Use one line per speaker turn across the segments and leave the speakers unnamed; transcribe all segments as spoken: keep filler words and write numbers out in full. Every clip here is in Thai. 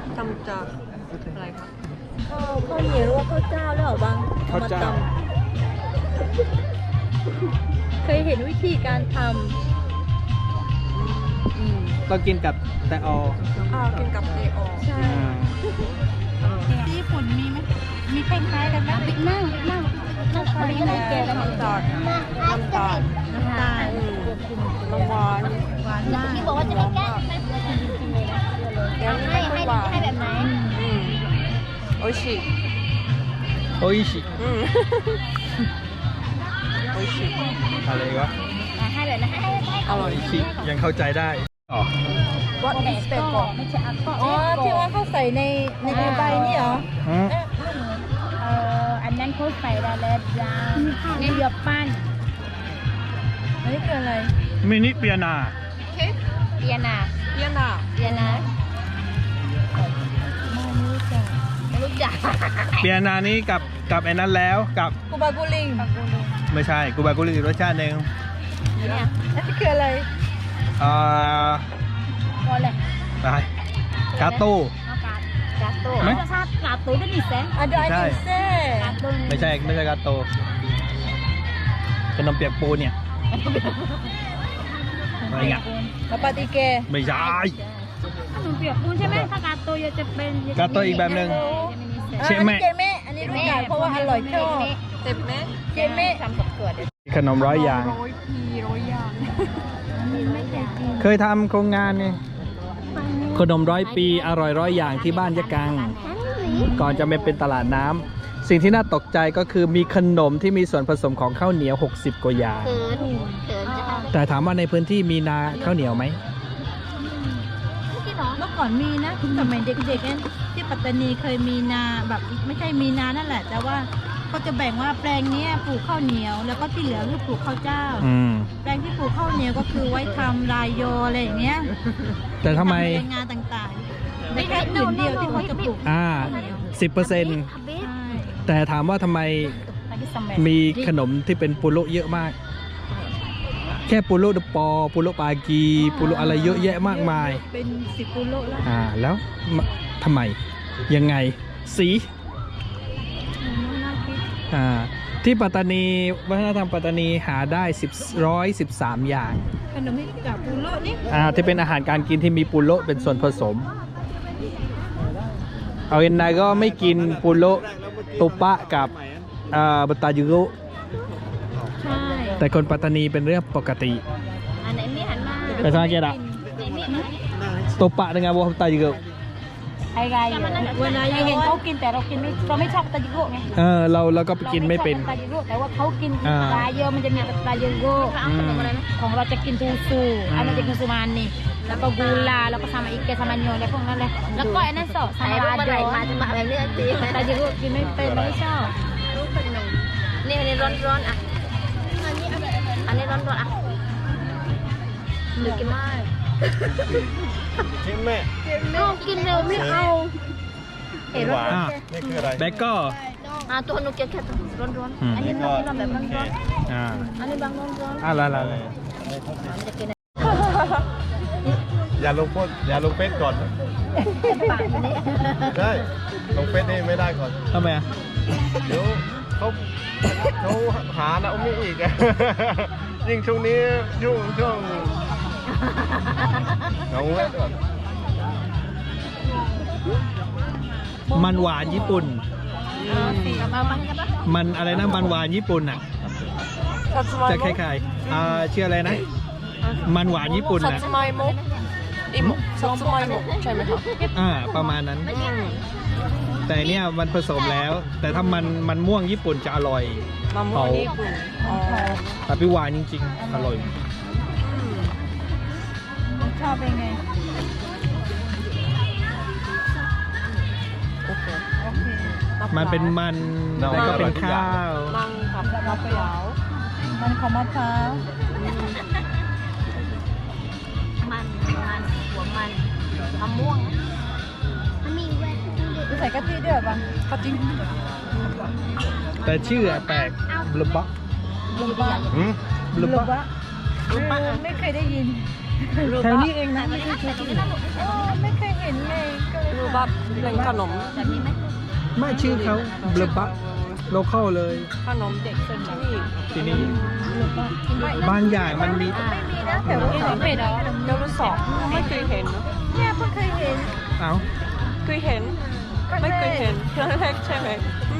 ทำจากอะไรคะ
ข้าวข้าวเหนียวหรือว่าข้าวเจ้าหรือเปล่าบาง
ข้าวเจ้า
เคยเห็นวิธีการท
ก็กินกับแต่ออ
อ้าวกินกับเนออ
ำใช่
ที่ญี่ปุ่นมีไหมมีคล้ายๆกันไหมนั่งนั่งนั่งคอยนั่งแกกัน
น้ำตาลน้ำตาล
น้ำตาล
น้ำหวาน
หวานมาก
ที่บอกว่าจะไม่แก้
แกงไม่ค่อยหวาน
ให้แบบไหน
อืมโอชิ
โอ้ยชิ
อืมโอชิ
อะไรวะ
ให้แบบนั้นให้ให้
อร่อย
โอ้ยชิยังเข้าใจได้อ๋อ
What is
ก็
pepper
ไม่ใช่อัลกอ
อ๋อที่ว่าเขาใส่ในในใบนี่เหรอ
อืม
เอ่ออันนั้นเขาใส่ดาเลดยางนี่เดือบปั้น
อันนี้คืออะไร
มินิเปียนา
เค้ก
เปียนา
เปียนา
เปียนาไม่รู้จัก
เปียนานี้กับกับไอ้นั้นแล้วกับ
กูบากูลิง
ไม่ใช่กูบากุลิรสชาติหนึ่ง
เนี่ย
อันนี้คืออะไร
อ่า
ก็เลย
ไปกาโต้
กาโต้
ไหม
รสชาติกาโต้ได้ดีแสน
อันเดียวอัน
ใช่
นี้เซ่
กาโต้
ไม่ใช่ไม่ใช่กาโต้ขนมเปียกปูเนี่ยอะไรเงี้ย
มาปาติเก
ไม่ใช่
ขนมเปียกปูนใช่ไหมถ้ากาโต้จะเป็น
กาโต้อีกแบบหนึ่ง
อ่า
เช
อัน
เมะ
นี้เจเมะอันนี้รู้จักเพราะว่าอร่อยชอบ
เจ็บไหม
เจเมะ
ทำกับเกลือเดี๋ยว
ขนมร้อยอย่าง
ร้อยพีร้อยอย่าง
ไม่อยากกิน
เคยทำโครงงานนี่ขนมร้อยปีอร่อยร้อยอย่างที่บ้านยะกัง ก่อนจะมาเป็นตลาดน้ำสิ่งที่น่าตกใจก็คือมีขนมที่มีส่วนผสมของข้าวเหนียว หกสิบ กว่าอย่าง
เขินเขินจะทำ
แต่ถามว่าในพื้นที่มีนาข้าวเหนียวไหม
ที่น้อง
เมื่อก่อนมีนะสมัยเด็กๆเนี่ยที่ปัตตานีเคยมีนาแบบไม่ใช่มีนานั่นแหละ แต่ว่าเขาจะแบ่งว่าแปลงเนี้ยปลูกข้าวเหนียว แล้วก็ที่เหลือคือปลูกข้าวเจ้า
อืม
แปลงที่ปลูกข้าวเหนียวก็คือไว้ทำลายโยอะไรอย่างเงี้ย
แต่ทำไม
ทำในงานต่างๆไม่แค่ผืนเดียวที่เขาจะปลูก
อ่า
ข้าวเหนียว
สิบเปอร์เซ็นต์
อาเบส
ใช่
แต่ถามว่าทำไม
อาเบสซัมเมอร์
มีขนมที่เป็นปุโรเยอะมาก แค่ปุโรเดปอปุโรปากีปุโรอะไรเยอะแยะมากมาย
เป็นสิบกุโลแล้ว
อ่าแล้วมทำไมยังไงสี
น่าคิด
อ่าที่ปัตตานีวัฒนธรรมปัตตานีหาได้สิบร้อยสิบสามอย่าง
ขนมที่กับกุโลนี่
อ่าที่เป็นอาหารการกินที่มีปุโรเป็นส่วนผสม เอาเอ็นไนก็ไม่กินปุโรตุปะกับอ่าบัตตายุโร
ใช่
แต่คนปัตตานีเป็นเรื่องปกติ
อันไหนมีหันมา
แต่ถ้าเกิดอะ
ไหนมี
ตุปะdengan buahบัตตายุโร
ไอ้ไงเวลาเห็นเขากินแต่เรากินไม่เราไม่ชอบตาจิโร่ไง
เออเราเราก็ไปกินไม่เป็น
ราชอบตาจิโร่แต่ว่าเขากิน
อ่า
ปลาเยอะมันจะมีปลาเยอะโก้
อืม
ของเราจะกินทูซู
อืม
อันนั้นจะกินซูมันนี่แล้วก็กูลาแล้วก็sama ikan sama nyonya อะไรพวกนั้นเลยแล้วก็อันนั้นสอsama lado มาจะมาแบบนี้สิตาจิโร่กินไม่เป็นไม่ชอบนี่อันนี้ร้อนร้อนๆอ่ะอันนี้ร้อนร้อนๆอ่ะหรือกินไม่
ชิมแม่
เอากินเร็วไม่เอาเห็นร้อน
อ่า
นี่คืออะไร
แบกก็
อ่ะตัวหนูเกลียดแค่ร้อนร้อนๆ
อืม
อันนี้ร้อนร้อนแบบร้อนร้อน
อ่า
อันนี้บางร้อนร้อน
อ่าละละละ
มันจะกิน
อย่าลงโพสอย่าลงเฟซก่อน
ปากมันนี่
ได้ลงเฟซนี่ไม่ได้ก่อน
ทำไมอ่ะ
เดี๋ยวเขาเขาหานะอุ้มอีกอะ ยิ่งช่วงนี้ช่วงช่วงเอาไว้ก่อน
มันหวานญี่ปุ่น
มาบ้างกันปะ
มันอะไรนะมันหวานญี่ปุ่นอ่ะ
ซัตสึมา
จะ
โม
คล้ายๆอ่าชื่ออะไรนะ มันหวานญี่ปุ่น
ซัต
นะ
สึมาโมอิโมซัตสึมาโมใช่ไหมครับ
อ่าประมาณนั้น แต่เนี่ยมันผสมแล้ว แต่ถ้ามันมันม่วงญี่ปุ่นจะอร่อย
มะม่วงญี่ปุ่นอ๋อ
แต่พี่หวานจริงๆ อร่อย
ชอบเป็นไง
โอเค
โอเค
มันเป็นมันแล้วก็เป็นข้าว
มังกับมะพร้าว
มันของมะพร้าว
มันมันหัวมันมะม่วงมันมีแว่น
จะใส่กะทิด้วยเหรอปะ
ก็จริง
แต่ชื่ออะแปลกบลูบ็อก
ลูบะ
หืม
บลู
ลู
บ็อก
บะเออไม่เคยได้ยิน
แถวนี้เองนะ
เออไม่เคยเห็นเลยก็เลย
รูบบับเป็นขนม
ไม่ชื่อเขาเบลบับโลคอลเลย
ขนมเด็กที่นี่
ที่นี่บางอย่างมันมี
ไม่มีนะแต่ว่า
ขนมเป็ดเหรอเดี๋ยวรู้สอบไม่เคยเห็นเนอะ
เนี่ยเพิ่งเคยเห็น
เอ้า
เคยเห็น ไม่เคยเห็นครั้งแรกใช่ไหม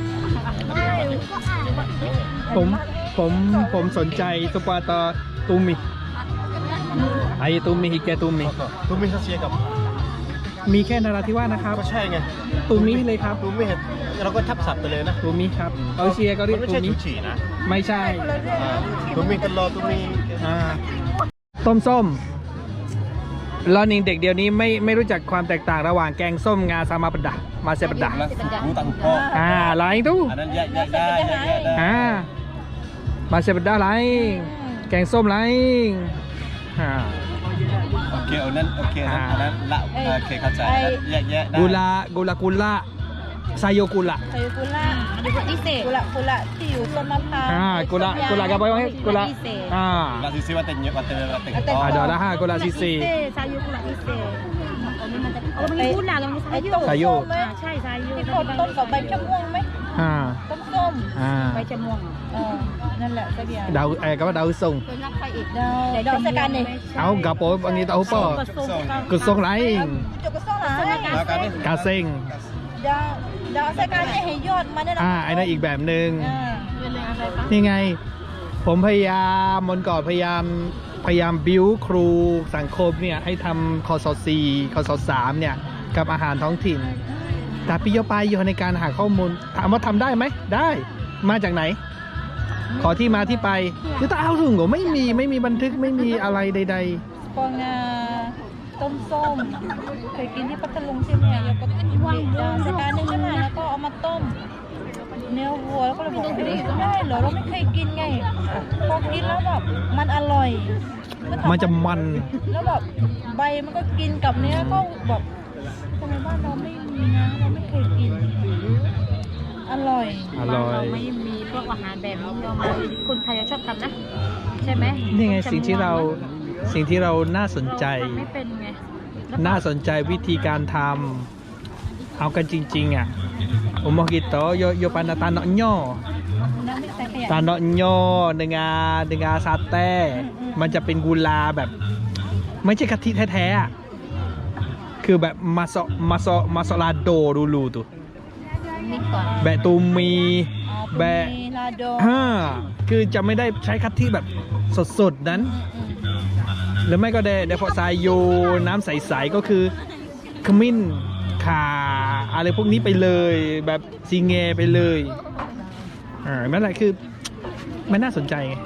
ผมผมผมสนใจสปาตาตูมิไอตูมิฮิแกตูมิ
ตูมิเขาเชียร์กับ
มีแค่นาราธิวาสนะครับ
ก็ใช่ไง
ตูมิเลยครับ
ตูมิเห็นเราก็ทับศัพท์ไปเลยนะ
ตูมิครับเออเชียก็เรียก
มันไม่
ตู
ใช่
มิ
ชูฉี่นะ
ไม่ใช่
อ่าตูมิกันรอตูมิ
อ่าต้มส้มแล้วนี่เด็กเดี๋ยวนี้ไม่ไม่รู้จักความแตกต่างระหว่างแกงส้มงาซามาปะดะมาเซปะดะ
รู้ตังพ่อ
อ่าอะไรตู้
อันนั้นแยกแยกได้แยกแยกได้
อ่ามาเซปะดะอะไรแกงส้มอะไรอ่า
โอเคเอานั้นโอเคอันนั้นละโอเคเข้าใจแยกแยะได้
กุลากุลากุลาไซโยกุลา
ไซกุระ
ดูพวกพิเศษ
กุระกุระที่อยู่ต้นมะพร้าว
อ่ากุลากุลากระบอยให้กุลาอ่า
ลาซิซิว่าเต็งเยอะว่าเต็งว่าเต็ง
อ่าเดี๋ยวละห้ากุลาซีซี
ซายุกุระพิเศษโอ้มันมีพูดหนาแล้วมัน
ไอ้
มี
ต้ม
ไซโย
ส้มไหม
ใช่ซายุ
ที่คนต้นกับใบชะม่วงไหม
อ่า
ต้มส้ม
อ่า
ใบชะม่วง
เออนั่นแหละสักอย่าง
ดาวเอ้ก็ว่าดาวส่ง
เป็นรักใครอีก
ดาวเดี๋ยวดอกสกันนี่
เอากระโปรงอันนี้เอาป่อ กุศลไร
จุกกระซ่องหา
แล้วกันนี่
กาเซ็ง
ดาวดาวสกันนี่ให้ยอดมันได้
อ่าไอ้นั่นอีกแบบหนึ่ง
อ่า
นี่ไง ผมพยายามมนก่อนพยายามพยายามบิ้วครูสังคมเนี่ยให้ทำคอสสี่คอสสามเนี่ยกับอาหารท้องถิ่น แต่พี่โยไปอยู่ในการหาข้อมูลถามว่าทำได้ไหมได้มาจากไหน ขอที่มาที่ไปคือตาเอาถุงก็ไม่มีไม่มีบันทึกไม่มีอะไรใด
ปองาต้มส้มเคยกินที่พัทลุงใช่ไหมแล้วก็ว่างดาวสกันนึงใช่ไหมแล้วก็เอามาต้มเนื้อวัวแล้วก็เลยบอกว่าเอ๊ะได้เหรอเราไม่เคยกินไงพอกินแล้วแบบมันอร่อยแล้วถา
ๆ มันจะมัน
แล้วแบบใบมันก็กินกับเนื้อก็แบบทำไมบ้านเราไม่มีนะเราไม่เคยกิน อร่อย
อร่อย
เราไม่มีพวกอาหารแบบนี้เรามาคนไทยชอบทำนะใช่ไหม
นี่ไงสิ่งที่เราสิ่งที่เราน่าสนใจ
ทำไม่เป็นไง
น่าสนใจวิธีการทำเอากันจริงๆอ่ะผมบอกกิโตโยโยปานาตาเนาะย่อ
น้ำไม่ใส่ขยะ
ตาเนาะย่อเนื้อาเนื้อาซาเต้มันจะเป็นกุลาแบบ ไม่ใช่กะทิแท้ๆอ่ะคือแบบมาโซมาโซมาโซลาโดรูลูตุ
นิดก่อน
แบะตูมี
อ๋อ
แบะ
มีลาโด
ฮ่าคือจะไม่ได้ใช้กะทิแบบสดๆนั้น หรือไม่ก็เดเดพอซายโยน้ำใสๆก็คือขมิ้นข่าอะไรพวกนี้ไปเลยแบบซีเงไปเลยอ่านั่นแหละคือมันน่าสนใจไง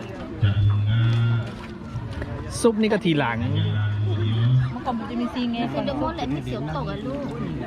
ซุปนี่ก็ทีหลัง
เมื่อก่อนมันจะมีซีเง
คือเดมอนแหละที่เสียวตกอะลูก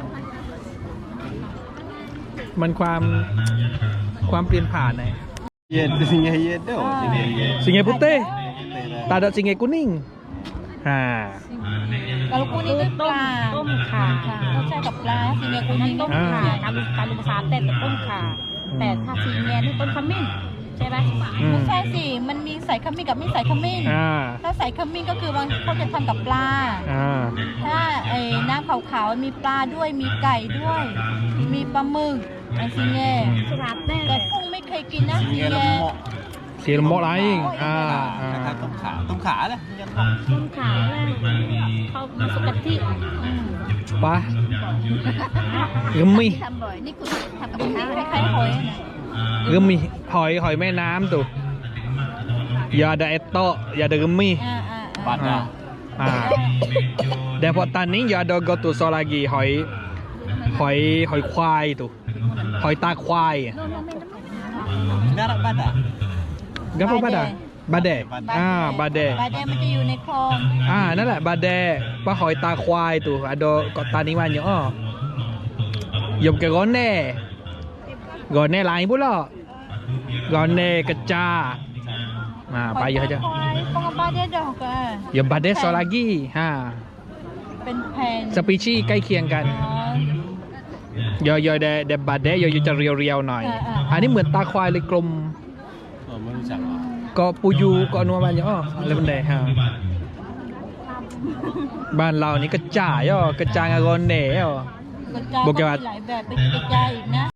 มันความความเปลี่ยนผ่านไง
เย็นสิเย็นเด้อสิเย็น
ซีเงพุเต้ตาดซีเงกุนิ่งอ่า
แล้วกูนี่ด้วยปลา
ต้มข่า
ค่ะเขาใช้กับปลาซีเงกู
นั่น
นี่
ต้มข่าตาลุตาลุภาษาแต่ต้มข่าแต่ถ้าสีแงนี่ต้นขมิ้นใช่ไหม
อืม
ไม่ใช่สิ มันมีใส่ขมิ้นกับไม่ใส่ขมิ้น
อ่า
ถ้าใส่ขมิ้นก็คือบางเขาจะทำกับปลา
อ่า
ถ้าไอ้น้ำขาวๆมีปลาด้วย มีไก่ด้วย มีปลาหมึกไอ้ซีเง
สลัดแน่
แต่กุ้งไม่เคยกินนะซี
เย็น
เง
แล้วเหมาะ
เสียงโมอะไรอ่าอ่า
นะครับต้มขาต้มขาเลยยันเหมาะ
ต้มข่าแน่เขามาสุกะทิ
ปะกึมมี่
ทำบ่อยนี่คุณทำกับ
กุ้ง
ข้าว
นี่คล้ายๆหอยนะ
กึมมี่หอยหอยแม่น้ำตุยาดาเอตโตยาดากึมมี่
อ่าอ่า
บา
อ่า
ดา
อ่าแต่พอตอนนี้ยาดอกตุโซลากีหอยหอยหอยควายตุหอยตาควาย
น่ารักบาดา
ก็พวกบาดาบาเดอ่าบาเด
บาเดมันจะอยู่ในคลอง
อ่านั่นแหละบาเดปลาหอยตาควายตุอะโดก็ตานี้วันอยู่อ้อยมกะก้อนแน่ก้อนแน่ลายปุ๊ล่ะก้อนแน่กระจาอ่าไปเยอะจ้ะ
หอยปองบาเดดอกอ่ะ
ยมบาเดโซลากีฮ่า
เป็นแผ่น
สปีชีส์ใกล้เคียงกัน
อ๋อย
อยอยเดเดบาเดยอยจะเรียวๆหน่อย
อ่าอ่า
อันนี้เหมือนตาควายเลยกลม
เออไม่รู้จักหรอ
ก็ปูยูก็นัวบ้านย่ออะไรบันไดฮะบ้านเรานี่กระจ่ายย่อกระจางอากอนเน่ย่อ
กระจาย
โบเกวัต
มีหลายแบบไปกระจายอีกนะ